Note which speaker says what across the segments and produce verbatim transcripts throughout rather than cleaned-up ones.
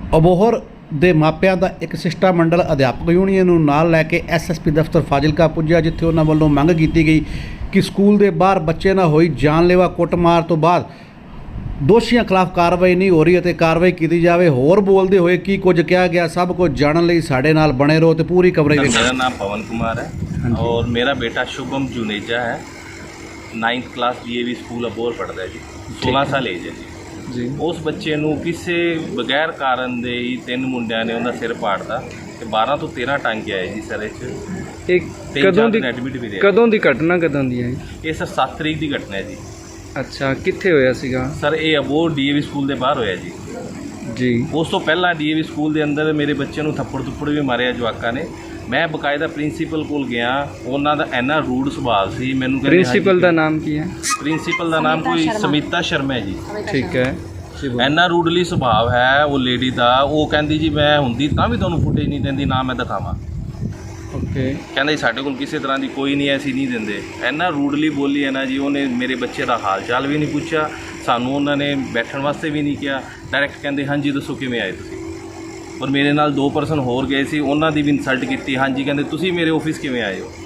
Speaker 1: ਅਬੋਹਰ ਦੇ ਮਾਪਿਆਂ ਦਾ ਇੱਕ ਸਿਸ਼ਟਾਮੰਡਲ ਅਧਿਆਪਕ ਯੂਨੀਅਨ ਨੂੰ ਨਾਲ ਲੈ ਕੇ ਐਸ ਐਸ ਪੀ ਦਫ਼ਤਰ ਫਾਜ਼ਿਲਕਾ ਪੁੱਜਿਆ, ਜਿੱਥੇ ਉਹਨਾਂ ਵੱਲੋਂ ਮੰਗ ਕੀਤੀ ਗਈ ਕਿ ਸਕੂਲ ਦੇ ਬਾਹਰ ਬੱਚੇ ਨਾਲ ਹੋਈ ਜਾਨਲੇਵਾ ਕੁੱਟਮਾਰ ਤੋਂ ਬਾਅਦ ਦੋਸ਼ੀਆਂ ਖਿਲਾਫ ਕਾਰਵਾਈ ਨਹੀਂ ਹੋ ਰਹੀ ਅਤੇ ਕਾਰਵਾਈ ਕੀਤੀ ਜਾਵੇ। ਹੋਰ ਬੋਲਦੇ ਹੋਏ ਕੀ ਕੁਝ ਕਿਹਾ ਗਿਆ, ਸਭ ਕੁਝ ਜਾਣਨ ਲਈ ਸਾਡੇ ਨਾਲ ਬਣੇ ਰਹੋ ਤੇ ਪੂਰੀ ਕਵਰੇਜ ਦੇਖੋ।
Speaker 2: मेरा नाम पवन कुमार है और मेरा बेटा शुभम जुनेजा है, ninth class D A V school Abohar पढ़ता है जी, सोलह साल एज है जी।
Speaker 3: जी
Speaker 2: उस बच्चे ਨੂੰ ਕਿਸੇ ਬਗੈਰ ਕਾਰਨ ਦੇ ਹੀ ਤਿੰਨ ਮੁੰਡਿਆਂ ਨੇ ਉਹਦਾ ਸਿਰ ਪਾੜਦਾ ਤੇ ਬਾਰਾਂ ਤੋਂ ਤੇਰਾਂ ਟਾਂਕੇ ਆਏ ਜੀ ਸਿਰ 'ਚ।
Speaker 3: एक कदों दी
Speaker 2: ਐਡਮਿਟ ਵੀ ਰਿਹਾ।
Speaker 3: कदों दी घटना कदों दी है?
Speaker 2: ਇਹ ਸਰ ਸੱਤ ਤਰੀਕ ਦੀ ਘਟਨਾ ਹੈ ਜੀ।
Speaker 3: अच्छा कित्थे होया सीगा?
Speaker 2: ਸਰ ਇਹ Abohar D A V school ਦੇ ਬਾਹਰ ਹੋਇਆ ਜੀ।
Speaker 3: जी
Speaker 2: ਉਸ ਤੋਂ ਪਹਿਲਾਂ ਡੀ ਏ ਵੀ ਸਕੂਲ ਦੇ ਅੰਦਰ ਮੇਰੇ ਬੱਚੇ ਨੂੰ ਥੱਪੜ ਥੁੱਪੜ ਵੀ ਮਾਰਿਆ ਜਵਾਕਾਂ ਨੇ। ਮੈਂ ਬਕਾਇਦਾ ਪ੍ਰਿੰਸੀਪਲ ਕੋਲ ਗਿਆ, ਉਹਨਾਂ ਦਾ ਇੰਨਾ ਰੂਡ ਸੁਭਾਅ ਸੀ। ਮੈਨੂੰ ਕਹਿੰਦੇ
Speaker 3: प्रिंसिपल दा नाम की है?
Speaker 2: ਪ੍ਰਿੰਸੀਪਲ ਦਾ ਨਾਮ ਕੋਈ ਸਮੀਤਾ ਸ਼ਰਮਾ ਹੈ ਜੀ।
Speaker 3: ठीक है जी बोलो।
Speaker 2: ਇੰਨਾ ਰੂਡਲੀ ਸੁਭਾਅ ਹੈ ਉਹ ਲੇਡੀ ਦਾ। ਉਹ ਕਹਿੰਦੀ ਜੀ ਮੈਂ ਹੁੰਦੀ ਤਾਂ ਵੀ ਤੁਹਾਨੂੰ ਫੁਟੇਜ ਨਹੀਂ ਦਿੰਦੀ, ਨਾ ਮੈਂ ਦਿਖਾਵਾਂ।
Speaker 3: ओके
Speaker 2: ਕਹਿੰਦਾ ਜੀ ਸਾਡੇ ਕੋਲ ਕਿਸੇ ਤਰ੍ਹਾਂ ਦੀ ਕੋਈ ਨਹੀਂ, ਐਸੀ ਨਹੀਂ ਦਿੰਦੇ। ਇੰਨਾ ਰੂਡਲੀ ਬੋਲੀ ਹੈ ਨਾ ਜੀ। ਉਹਨੇ ਮੇਰੇ ਬੱਚੇ ਦਾ ਹਾਲ ਚਾਲ ਵੀ ਨਹੀਂ ਪੁੱਛਿਆ, ਸਾਨੂੰ ਉਹਨਾਂ ਨੇ ਬੈਠਣ ਵਾਸਤੇ ਵੀ ਨਹੀਂ ਕਿਹਾ। ਡਾਇਰੈਕਟ ਕਹਿੰਦੇ ਹਾਂਜੀ ਦੱਸੋ ਕਿਵੇਂ ਆਏ ਤੁਸੀਂ। ਔਰ ਮੇਰੇ ਨਾਲ ਦੋ ਪਰਸਨ ਹੋਰ ਗਏ ਸੀ, ਉਹਨਾਂ ਦੀ ਵੀ ਇਨਸਲਟ ਕੀਤੀ। ਹਾਂਜੀ ਕਹਿੰਦੇ ਤੁਸੀਂ ਮੇਰੇ ਆਫਿਸ ਕਿਵੇਂ ਆਏ ਹੋ।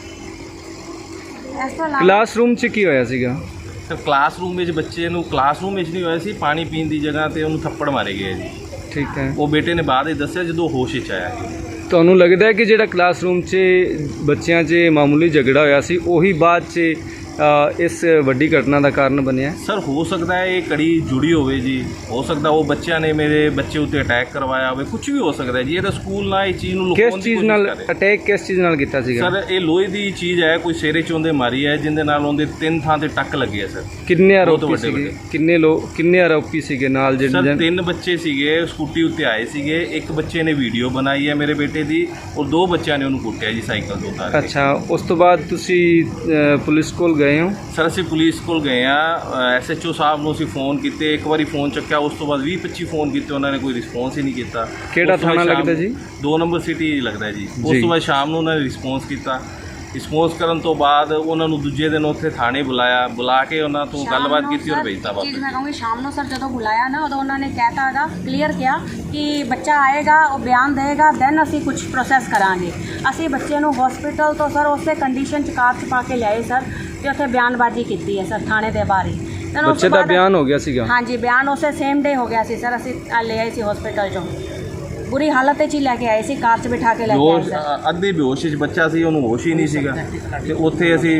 Speaker 3: क्लासरूम च की होया सीगा?
Speaker 2: ਸਰ ਕਲਾਸਰੂਮ ਵਿੱਚ ਬੱਚੇ ਨੂੰ ਕਲਾਸਰੂਮ ਵਿੱਚ ਨਹੀਂ ਹੋਇਆ ਸੀ, ਪਾਣੀ ਪੀਣ ਦੀ ਜਗ੍ਹਾ ਤੇ ਉਹਨੂੰ ਥੱਪੜ ਮਾਰੇ ਗਏ ਜੀ।
Speaker 3: ठीक है।
Speaker 2: ਉਹ ਬੇਟੇ ਨੇ ਬਾਅਦ ਵਿੱਚ ਦੱਸਿਆ ਜਦੋਂ ਹੋਸ਼ ਵਿੱਚ ਆਇਆ ਜੀ।
Speaker 3: ਤੁਹਾਨੂੰ ਲੱਗਦਾ ਹੈ ਕਿ ਜਿਹੜਾ ਕਲਾਸਰੂਮ 'ਚ ਬੱਚਿਆਂ 'ਚ ਮਾਮੂਲੀ ਝਗੜਾ ਹੋਇਆ ਸੀ ਉਹੀ ਬਾਅਦ 'ਚ ਅ, ਇਸ ਵੱਡੀ ਘਟਨਾ ਦਾ ਕਾਰਨ ਬਣਿਆ?
Speaker 2: ਸਰ ਹੋ ਸਕਦਾ ਹੈ ਇਹ ਕੜੀ ਜੁੜੀ ਹੋਵੇ ਜੀ। ਹੋ ਸਕਦਾ ਉਹ ਬੱਚਿਆਂ ਨੇ ਮੇਰੇ ਬੱਚੇ ਉੱਤੇ ਅਟੈਕ ਕਰਵਾਇਆ ਹੋਵੇ, ਕੁਝ ਵੀ ਹੋ ਸਕਦਾ ਜੀ। ਇਹ ਤਾਂ ਸਕੂਲ ਨਾਲ ਇਹ ਚੀਜ਼ ਨੂੰ ਲੁਕਾਉਣ
Speaker 3: ਕਿਸ
Speaker 2: ਦੀ
Speaker 3: ਚੀਜ਼
Speaker 2: ਕੋਸ਼ਿਸ਼
Speaker 3: ਨਾਲ
Speaker 2: ਕਰ ਰਹੇ।
Speaker 3: ਅਟੈਕ ਕਿਸ ਚੀਜ਼ ਨਾਲ ਕੀਤਾ ਸੀਗਾ?
Speaker 2: ਸਰ ਇਹ ਲੋਹੇ ਦੀ ਚੀਜ਼ ਹੈ, ਕੋਈ ਸਿਰੇ ਚੋਂਦੇ ਮਾਰੀ ਹੈ, ਜਿੰਦੇ ਨਾਲ ਉਹਦੇ ਤਿੰਨ ਥਾਂ ਤੇ ਟੱਕ ਲੱਗੇ ਹੈ ਸਰ।
Speaker 3: ਕਿੰਨੇ
Speaker 2: ਬਹੁਤ
Speaker 3: ਆਰੋਪੀ
Speaker 2: ਵੱਡੇ
Speaker 3: ਸੀਗੇ?
Speaker 2: ਵੱਡੇ।
Speaker 3: ਕਿੰਨੇ ਲੋਕ ਕਿੰਨੇ ਆਰੋਪੀ ਸੀਗੇ ਨਾਲ
Speaker 2: ਸਰ
Speaker 3: ਜਿਹੜੇ?
Speaker 2: ਤਿੰਨ ਬੱਚੇ ਸੀਗੇ, ਸਕੂਟੀ ਉੱਤੇ ਆਏ ਸੀਗੇ। ਇੱਕ ਬੱਚੇ ਨੇ ਵੀਡੀਓ ਬਣਾਈ ਹੈ ਮੇਰੇ ਬੇਟੇ ਦੀ, ਔਰ ਦੋ ਬੱਚਿਆਂ ਨੇ ਉਹਨੂੰ ਕੁੱਟਿਆ ਜੀ ਸਾਈਕਲ ਤੋਂ ਉਤਾਰ ਕੇ।
Speaker 3: ਅੱਛਾ, ਉਸ ਤੋਂ ਬਾਅਦ ਤੁਸੀਂ ਅ, ਪੁਲਿਸ ਕੋਲ ਗਏ ਹੋ?
Speaker 2: ਸਰ ਅਸੀਂ ਪੁਲਿਸ ਕੋਲ ਗਏ ਆ, ਐਸ ਐਚ ਓ ਸਾਹਿਬ ਨੂੰ ਅਸੀਂ ਫੋਨ ਕੀਤੇ। ਇੱਕ ਵਾਰੀ ਫੋਨ ਚੱਕਿਆ, ਉਸ ਤੋਂ ਬਾਅਦ ਵੀਹ ਪੱਚੀ ਫੋਨ ਕੀਤੇ, ਉਹਨਾਂ ਨੇ ਕੋਈ ਰਿਸਪੌਂਸ ਹੀ ਨਹੀਂ ਕੀਤਾ।
Speaker 3: ਕਿਹੜਾ
Speaker 2: ਉਸ ਤੋਂ ਬਾਅਦ
Speaker 3: ਥਾਣਾ
Speaker 2: ਸ਼ਾਮ-
Speaker 3: ਲੱਗਦਾ ਜੀ?
Speaker 2: ਦੋ ਨੰਬਰ ਸਿਟੀ ਲੱਗਦਾ ਜੀ। ਉਸ
Speaker 3: ਜੀ।
Speaker 2: ਤੋਂ ਬਾਅਦ ਸ਼ਾਮ ਨੂੰ ਉਹਨਾਂ ਨੇ ਰਿਸਪੌਂਸ ਕੀਤਾ। ਰਿਸਪੌਂਸ ਕਰਨ ਤੋਂ ਬਾਅਦ ਉਹਨਾਂ ਨੂੰ ਦੂਜੇ ਦਿਨ ਉੱਥੇ ਥਾਣੇ ਬੁਲਾਇਆ, ਬੁਲਾ ਕੇ ਉਹਨਾਂ ਤੋਂ ਗੱਲਬਾਤ ਕੀਤੀ ਔਰ ਭੇਜਤਾ
Speaker 4: ਚੀਜ਼
Speaker 2: ਵਾਪਸ।
Speaker 4: ਮੈਂ ਕਹੂੰਗੀ ਸ਼ਾਮ ਨੂੰ ਸਰ ਜਦੋਂ ਬੁਲਾਇਆ ਨਾ ਉਦੋਂ ਉਹਨਾਂ ਨੇ ਕਹਿਤਾ ਹੈਗਾ, ਕਲੀਅਰ ਕਿਹਾ ਕਿ ਬੱਚਾ ਆਏਗਾ, ਉਹ ਬਿਆਨ ਦੇਗਾ, ਦੈਨ ਅਸੀਂ ਕੁਝ ਪ੍ਰੋਸੈਸ ਕਰਾਂਗੇ। ਅਸੀਂ ਬੱਚੇ ਨੂੰ ਹਸਪੀਟਲ ਤੋਂ ਸਰ ਉਸੇ ਕੰਡੀਸ਼ਨ 'ਚ ਕਾਰ 'ਚ ਪਾ ਕੇ ਲਿਆਏ ਸਰ, ਤੇ ਉੱਥੇ ਬਿਆਨਬਾਜ਼ੀ ਕੀਤੀ ਹੈ ਸਰ ਥਾਣੇ ਦੇ ਬਾਹਰ ਹੀ। Then ਉਸ
Speaker 3: ਬੱਚੇ
Speaker 4: ਤੋਂ
Speaker 3: ਦਾ
Speaker 4: ਬਾਅਦ-
Speaker 3: ਬਿਆਨ ਹੋ ਗਿਆ ਸੀਗਾ?
Speaker 4: ਹਾਂਜੀ ਬਿਆਨ ਉਸੇ ਸੇਮ ਡੇ ਹੋ ਗਿਆ ਸੀ ਸਰ। ਅਸੀਂ ਲੈ ਆਏ ਸੀ ਹਸਪੀਟਲ 'ਚੋਂ, ਬੁਰੀ ਹਾਲਤ 'ਚ ਹੀ ਲੈ ਕੇ ਆਏ ਸੀ, ਕਾਰ 'ਚ ਬਿਠਾ ਕੇ ਲੈ ਕੇ ਆਏ
Speaker 2: ਹੋਸ਼
Speaker 4: ਸਰ।
Speaker 2: ਅੱਧੇ ਬੇਹੋਸ਼ 'ਚ ਬੱਚਾ ਸੀ, ਉਹਨੂੰ ਹੋਸ਼ ਹੀ ਨਹੀਂ ਸੀਗਾ। ਤੇ ਉੱਥੇ ਅਸੀਂ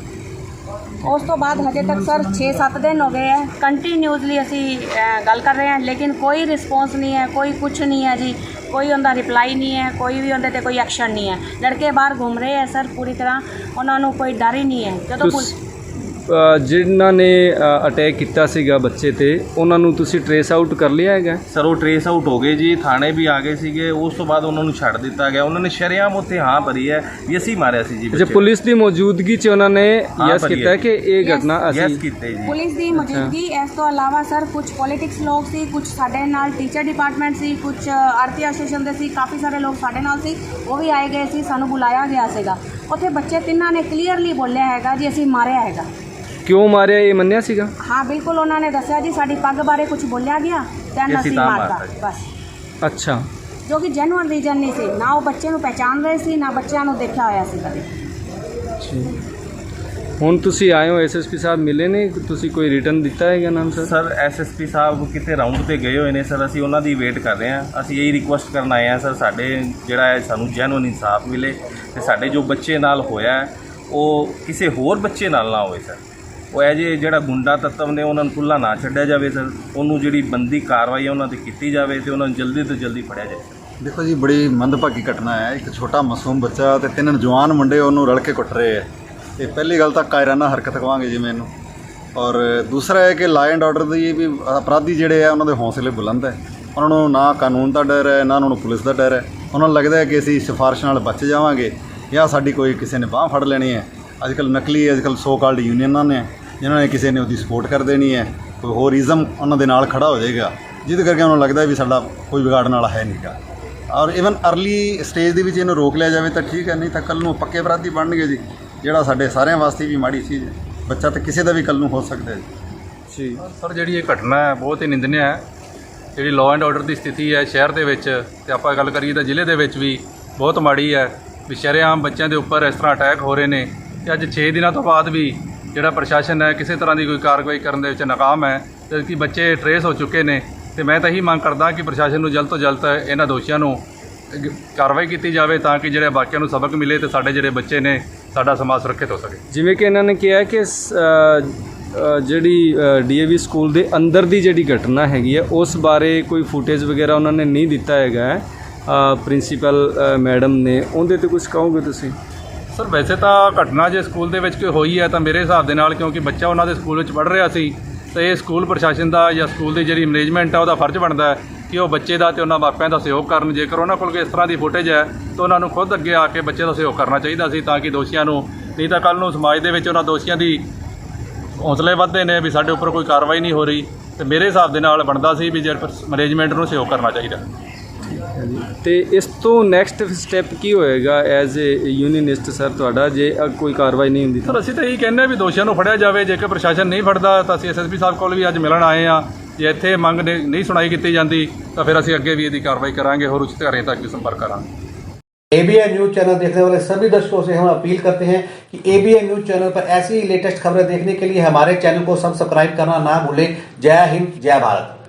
Speaker 4: ਉਸ ਤੋਂ ਬਾਅਦ ਹਜੇ ਤੱਕ ਸਰ ਛੇ ਸੱਤ ਦਿਨ ਹੋ ਗਏ ਹੈ, ਕੰਟੀਨਿਊਸਲੀ ਅਸੀਂ ਅ, ਗੱਲ ਕਰ ਰਹੇ ਹਾਂ, ਲੇਕਿਨ ਕੋਈ ਰਿਸਪੌਂਸ ਨਹੀਂ ਹੈ, ਕੋਈ ਕੁਛ ਨਹੀਂ ਹੈ ਜੀ। ਕੋਈ ਉਹਦਾ ਰਿਪਲਾਈ ਨਹੀਂ ਹੈ, ਕੋਈ ਵੀ ਉਹਦੇ 'ਤੇ ਕੋਈ ਐਕਸ਼ਨ ਨਹੀਂ ਹੈ। ਲੜਕੇ ਬਾਹਰ ਘੁੰਮ ਰਹੇ ਹੈ ਸਰ ਪੂਰੀ ਤਰ੍ਹਾਂ, ਉਹਨਾਂ ਨੂੰ ਕੋਈ ਡਰ ਹੀ ਨਹੀਂ ਹੈ। ਜਦੋਂ ਪੁਲਿਸ
Speaker 3: ਅ, ਜਿਨ੍ਹਾਂ ਨੇ ਅਟੈਕ ਕੀਤਾ ਸੀਗਾ ਬੱਚੇ ਤੇ, ਉਹਨਾਂ ਨੂੰ ਤੁਸੀਂ ਟਰੇਸ ਆਊਟ ਕਰ ਲਿਆ ਹੈਗਾ?
Speaker 2: ਸਰ ਉਹ ਟਰੇਸ ਆਊਟ ਹੋ ਗਏ ਜੀ, ਥਾਣੇ ਵੀ ਆ ਗਏ ਸੀਗੇ। ਉਸ ਤੋਂ ਬਾਅਦ ਉਹਨਾਂ ਨੂੰ ਛੱਡ ਦਿੱਤਾ ਗਿਆ। ਉਹਨਾਂ ਨੇ ਸ਼ਰੇਆਮ ਉੱਥੇ ਹਾਂ ਭਰੀ ਹੈ ਵੀ ਅਸੀਂ ਮਾਰਿਆ ਸੀ ਜੀ
Speaker 3: ਅੱਛਾ,
Speaker 2: ਬੱਚੇ।
Speaker 3: ਪੁਲਿਸ ਦੀ ਮੌਜੂਦਗੀ 'ਚ ਉਹਨਾਂ ਨੇ
Speaker 2: ਹਾਂ,
Speaker 3: ਯੈਸ
Speaker 2: ਭਰੀ
Speaker 3: ਕੀਤਾ
Speaker 2: ਹੈ।
Speaker 3: ਕਿ ਇਹ
Speaker 4: Yes,
Speaker 3: ਘਟਨਾ
Speaker 2: ਯੈਸ
Speaker 3: ਅਸੀਂ
Speaker 2: ਕੀਤੇ ਜੀ।
Speaker 4: ਪੁਲਿਸ ਦੀ ਮੌਜੂਦਗੀ, ਇਸ ਤੋਂ ਇਲਾਵਾ ਸਰ ਕੁਝ ਪੋਲੀਟਿਕਸ ਲੋਕ ਸੀ, ਕੁਝ ਸਾਡੇ ਨਾਲ ਟੀਚਰ ਡਿਪਾਰਟਮੈਂਟ ਸੀ, ਕੁਝ ਆਰਤੀ ਐਸੋਸੀਏਸ਼ਨ ਦੇ ਸੀ, ਕਾਫੀ ਸਾਰੇ ਲੋਕ ਸਾਡੇ ਨਾਲ ਸੀ, ਉਹ ਵੀ ਆਏ ਗਏ ਸੀ। ਸਾਨੂੰ ਬੁਲਾਇਆ ਗਿਆ ਸੀਗਾ ਉੱਥੇ। ਬੱਚੇ ਤਿੰਨਾਂ ਨੇ ਕਲੀਅਰਲੀ ਬੋਲਿਆ ਹੈਗਾ ਜੀ ਅਸੀਂ ਮਾਰਿਆ ਹੈਗਾ।
Speaker 3: ਕਿਉਂ ਮਾਰਿਆ ਇਹ ਮੰਨਿਆ ਸੀਗਾ?
Speaker 4: ਹਾਂ ਬਿਲਕੁਲ, ਉਹਨਾਂ ਨੇ ਦੱਸਿਆ ਜੀ ਸਾਡੀ ਪੱਗ ਬਾਰੇ ਕੁਝ ਬੋਲਿਆ ਗਿਆ, ਦੈਨ
Speaker 2: ਅਸੀਂ
Speaker 4: ਅਸੀਂ
Speaker 2: ਤਾਂ
Speaker 4: ਮਾਰਤਾ
Speaker 2: ਮਾਰਤਾ ਜੀ।
Speaker 4: ਬਸ।
Speaker 3: ਅੱਛਾ,
Speaker 4: ਜੋ ਕਿ ਜੈਨੂਅਨ ਰੀਜ਼ਨ ਨਹੀਂ ਸੀ, ਨਾ ਉਹ ਬੱਚੇ ਨੂੰ ਪਹਿਚਾਣ ਰਹੇ ਸੀ, ਨਾ ਬੱਚਿਆਂ ਨੂੰ ਦੇਖਿਆ ਹੋਇਆ ਸੀ ਕਦੇ।
Speaker 3: ਹੁਣ ਤੁਸੀਂ ਆਏ ਹੋ, ਐਸ ਐਸ ਪੀ ਸਾਹਿਬ ਮਿਲੇ ਨੇ, ਤੁਸੀਂ ਕੋਈ ਰਿਟਰਨ ਦਿੱਤਾ ਹੈਗਾ ਨਾਮ sir?
Speaker 2: Sir S S P ਸਾਹਿਬ ਕਿਤੇ ਰਾਊਂਡ ਤੇ ਗਏ ਹੋਏ ਨੇ ਸਰ। ਅਸੀਂ ਉਹਨਾਂ ਦੀ ਵੇਟ ਕਰ ਰਹੇ ਹਾਂ। ਅਸੀਂ ਇਹੀ ਰਿਕੁਐਸਟ ਕਰਨ ਆਏ ਹਾਂ ਸਰ, ਸਾਡੇ ਜਿਹੜਾ ਹੈ ਸਾਨੂੰ ਜੈਨੂਅਨ ਇਨਸਾਫ ਮਿਲੇ ਤੇ ਸਾਡੇ ਜੋ ਬੱਚੇ ਨਾਲ ਹੋਇਆ ਉਹ ਕਿਸੇ ਹੋਰ ਬੱਚੇ ਨਾਲ ਨਾ ਹੋਵੇ ਸਰ। ਉਹ ਇਹ ਜੇ ਜਿਹੜਾ ਗੁੰਡਾ ਤੱਤਵ ਨੇ ਉਹਨਾਂ ਨੂੰ ਖੁੱਲ੍ਹਾ ਨਾ ਛੱਡਿਆ ਜਾਵੇ ਸਰ। ਉਹਨੂੰ ਜਿਹੜੀ ਬੰਦੀ ਕਾਰਵਾਈ ਹੈ ਉਹਨਾਂ 'ਤੇ ਕੀਤੀ ਜਾਵੇ ਤੇ ਉਹਨਾਂ ਨੂੰ ਜਲਦੀ ਤੋਂ ਜਲਦੀ ਫੜਿਆ ਜਾਵੇ।
Speaker 5: ਦੇਖੋ ਜੀ, ਬੜੀ ਮੰਦਭਾਗੀ ਘਟਨਾ ਹੈ। ਇੱਕ ਛੋਟਾ ਮਾਸੂਮ ਬੱਚਾ ਤੇ ਤਿੰਨ ਜਵਾਨ ਮੁੰਡੇ ਉਹਨੂੰ ਰਲ ਕੇ ਕੁੱਟ ਰਹੇ ਹੈ। ਤੇ ਪਹਿਲੀ ਗੱਲ ਤਾਂ ਕਾਇਰਾਨਾ ਹਰਕਤ ਕਹਾਂਗੇ ਜੀ ਮੈਨੂੰ। ਔਰ ਦੂਸਰਾ ਹੈ ਕਿ ਲਾ ਐਂਡ ਆਰਡਰ ਦੀ ਵੀ ਅਪਰਾਧੀ ਜਿਹੜੇ ਆ ਉਹਨਾਂ ਦੇ ਹੌਸਲੇ ਬੁਲੰਦ ਹੈ। ਉਹਨਾਂ ਨੂੰ ਨਾ ਕਾਨੂੰਨ ਦਾ ਡਰ ਹੈ, ਨਾ ਉਹਨਾਂ ਨੂੰ ਪੁਲਿਸ ਦਾ ਡਰ ਹੈ। ਉਹਨਾਂ ਨੂੰ ਲੱਗਦਾ ਹੈ ਕਿ ਅਸੀਂ ਸਿਫਾਰਿਸ਼ ਨਾਲ ਬਚ ਜਾਵਾਂਗੇ ਜਾਂ ਸਾਡੀ ਕੋਈ ਕਿਸੇ ਨੇ ਬਾਂਹ ਫੜ ਲੈਣੀ ਹੈ। ਅੱਜ ਕੱਲ੍ਹ ਨਕਲੀ ਅੱਜ ਕੱਲ੍ਹ ਸੋ ਕਾਲਡ ਯੂਨੀਅਨਾਂ ਨੇ, ਜਿਨ੍ਹਾਂ ਨੇ ਕਿਸੇ ਨੇ ਉਹਦੀ ਸਪੋਰਟ ਕਰ ਦੇਣੀ ਹੈ। ਕੋਈ ਹੋਰ ਇਜ਼ਮ ਉਹਨਾਂ ਦੇ ਨਾਲ ਖੜਾ ਹੋ ਜਾਏਗਾ, ਜਿਹਦੇ ਕਰਕੇ ਉਹਨਾਂ ਨੂੰ ਲੱਗਦਾ ਵੀ ਸਾਡਾ ਕੋਈ ਵਿਗਾੜਨ ਵਾਲਾ ਹੈ ਨਹੀਂਗਾ। ਔਰ ਈਵਨ ਅਰਲੀ ਸਟੇਜ ਦੇ ਵਿੱਚ ਇਹਨੂੰ ਰੋਕ ਲਿਆ ਜਾਵੇ ਤਾਂ ਠੀਕ ਹੈ, ਨਹੀਂ ਤਾਂ ਕੱਲ੍ਹ ਨੂੰ ਪੱਕੇ ਅਪਰਾਧੀ ਬਣਨਗੇ ਜੀ, ਜਿਹੜਾ ਸਾਡੇ ਸਾਰਿਆਂ ਵਾਸਤੇ ਵੀ ਮਾੜੀ ਚੀਜ਼ ਹੈ। ਬੱਚਾ ਤਾਂ ਕਿਸੇ ਦਾ ਵੀ ਕੱਲ੍ਹ ਨੂੰ ਹੋ ਸਕਦਾ ਹੈ ਜੀ।
Speaker 3: ਜੀ
Speaker 6: ਸਰ, ਜਿਹੜੀ ਇਹ ਘਟਨਾ ਹੈ ਬਹੁਤ ਹੀ ਨਿੰਦਨੀय ਹੈ। ਜਿਹੜੀ ਲਾਅ ਐਂਡ ਆਰਡਰ ਦੀ ਸਥਿਤੀ ਹੈ ਸ਼ਹਿਰ ਦੇ ਵਿੱਚ ਤੇ ਆਪਾਂ ਗੱਲ ਕਰੀਏ ਤਾਂ ਜ਼ਿਲ੍ਹੇ ਦੇ ਵਿੱਚ ਵੀ ਬਹੁਤ ਮਾੜੀ ਹੈ। ਵੀ ਸ਼ਰੇਆਮ ਬੱਚਿਆਂ ਦੇ ਉੱਪਰ ਇਸ ਤਰ੍ਹਾਂ ਅਟੈਕ ਹੋ ਰਹੇ ਨੇ ਤੇ ਅੱਜ ਛੇ ਦਿਨਾਂ ਤੋਂ ਬਾਅਦ ਵੀ ਜਿਹੜਾ ਪ੍ਰਸ਼ਾਸਨ ਹੈ ਕਿਸੇ ਤਰ੍ਹਾਂ ਦੀ ਕੋਈ ਕਾਰਵਾਈ ਕਰਨ ਦੇ ਵਿੱਚ ਨਾਕਾਮ ਹੈ ਜਦ ਕਿ ਬੱਚੇ ਟਰੇਸ ਹੋ ਚੁੱਕੇ ਨੇ। ਤੇ ਮੈਂ ਤਾਂ ਇਹੀ ਮੰਗ ਕਰਦਾ ਕਿ ਪ੍ਰਸ਼ਾਸਨ ਨੂੰ ਜਲਦ ਤੋਂ ਜਲਦ ਇਹਨਾਂ ਦੋਸ਼ੀਆਂ ਨੂੰ ਕਾਰਵਾਈ ਕੀਤੀ ਜਾਵੇ ਤਾਂ ਕਿ ਜਿਹੜੇ ਬਾਕੀਆਂ ਨੂੰ ਸਬਕ ਮਿਲੇ ਤੇ ਸਾਡੇ ਜਿਹੜੇ ਬੱਚੇ ਨੇ ਸਾਡਾ ਸਮਾਜ ਸੁਰੱਖਿਅਤ ਹੋ ਸਕੇ।
Speaker 3: ਜਿਵੇਂ ਕਿ ਇਹਨਾਂ ਨੇ ਕਿਹਾ ਕਿ ਸ- ਅ, ਅ, ਜਿਹੜੀ ਡੀਏਵੀ ਸਕੂਲ ਦੇ ਅੰਦਰ ਦੀ ਜਿਹੜੀ ਘਟਨਾ ਹੈਗੀ ਹੈ ਉਸ ਬਾਰੇ ਕੋਈ ਫੁਟੇਜ ਵਗੈਰਾ ਉਹਨਾਂ ਨੇ ਨਹੀਂ ਦਿੱਤਾ ਹੈਗਾ ਹੈ ਪ੍ਰਿੰਸੀਪਲ ਮੈਡਮ ਨੇ, ਉਹਦੇ ਤੇ ਕੁਝ ਕਹੋਗੇ ਤੁਸੀਂ?
Speaker 6: ਸਰ ਵੈਸੇ ਤਾਂ ਘਟਨਾ ਜੇ ਸਕੂਲ ਦੇ ਵਿੱਚ ਕੋਈ ਹੋਈ ਹੈ ਤਾਂ ਮੇਰੇ ਹਿਸਾਬ ਦੇ ਨਾਲ ਕਿਉਂਕਿ ਬੱਚਾ ਉਹਨਾਂ ਦੇ ਸਕੂਲ ਵਿੱਚ ਪੜ੍ਹ ਰਿਹਾ ਸੀ ਤੇ ਇਹ ਸਕੂਲ ਪ੍ਰਸ਼ਾਸਨ ਦਾ ਜਾਂ ਸਕੂਲ ਦੀ ਜਿਹੜੀ ਮੈਨੇਜਮੈਂਟ ਆ ਉਹਦਾ ਫਰਜ਼ ਬਣਦਾ ਹੈ ਕਿ ਉਹ ਬੱਚੇ ਦਾ ਤੇ ਉਹਨਾਂ ਮਾਪਿਆਂ ਦਾ ਸਹਿਯੋਗ ਕਰਨ। ਜੇਕਰ ਉਹਨਾਂ ਕੋਲ ਕੋਈ ਇਸ ਤਰ੍ਹਾਂ ਦੀ ਫੁਟੇਜ ਹੈ ਤਾਂ ਉਹਨਾਂ ਨੂੰ ਖੁਦ ਅੱਗੇ ਆ ਕੇ ਬੱਚੇ ਦਾ ਸਹਿਯੋਗ ਕਰਨਾ ਚਾਹੀਦਾ ਸੀ ਤਾਂ ਕਿ ਦੋਸ਼ੀਆਂ ਨੂੰ, ਨਹੀਂ ਤਾਂ ਕੱਲ੍ਹ ਨੂੰ ਸਮਾਜ ਦੇ ਵਿੱਚ ਉਹਨਾਂ ਦੋਸ਼ੀਆਂ ਦੀ ਹੌਸਲੇ ਵੱਧਦੇ ਨੇ ਵੀ ਸਾਡੇ ਉੱਪਰ ਕੋਈ ਕਾਰਵਾਈ ਨਹੀਂ ਹੋ ਰਹੀ। ਤੇ ਮੇਰੇ ਹਿਸਾਬ ਦੇ ਨਾਲ ਬਣਦਾ ਸੀ ਵੀ ਜੇ ਮੈਨੇਜਮੈਂਟ ਨੂੰ ਸਹਿਯੋਗ ਕਰਨਾ ਚਾਹੀਦਾ।
Speaker 3: ਤੇ ਇਸ ਤੋਂ ਨੈਕਸਟ ਸਟੈਪ ਕੀ ਹੋਏਗਾ ਐਜ਼ ਏ ਯੂਨੀਅਨਿਸਟ ਸਰ ਤੁਹਾਡਾ, ਜੇ ਅ, ਕੋਈ ਕਾਰਵਾਈ ਨਹੀਂ ਹੁੰਦੀ ਤਾਂ?
Speaker 6: ਸਰ ਅਸੀਂ ਤਾਂ ਇਹੀ ਕਹਿੰਦੇ ਹਾਂ ਵੀ ਦੋਸ਼ੀਆਂ ਨੂੰ ਫੜਿਆ ਜਾਵੇ। ਜੇਕਰ ਪ੍ਰਸ਼ਾਸਨ ਨਹੀਂ ਫੜਦਾ ਤਾਂ ਅਸੀਂ ਐਸਐਸਪੀ ਸਾਹਿਬ ਕੋਲ ਵੀ ਅੱਜ ਮਿਲਣ ਆਏ ਹਾਂ। ਜੇ ਇੱਥੇ ਮੰਗ ਨੇ- ਨਹੀਂ ਸੁਣਾਈ ਕੀਤੀ ਜਾਂਦੀ ਤਾਂ ਫਿਰ ਅਸੀਂ ਅੱਗੇ ਵੀ ਇਹਦੀ ਕਾਰਵਾਈ ਕਰਾਂਗੇ, ਹੋਰ ਉੱਚ ਅਧਿਕਾਰੀਆਂ तक भी संपर्क करांगे।
Speaker 1: एबीएन न्यूज चैनल देखने वाले सभी दर्शकों से हम अपील करते हैं कि एबीएन न्यूज चैनल पर ऐसी ही लेटेस्ट खबरें देखने के लिए हमारे चैनल को सब्सक्राइब करना ना भूलें। जय हिंद, जय भारत।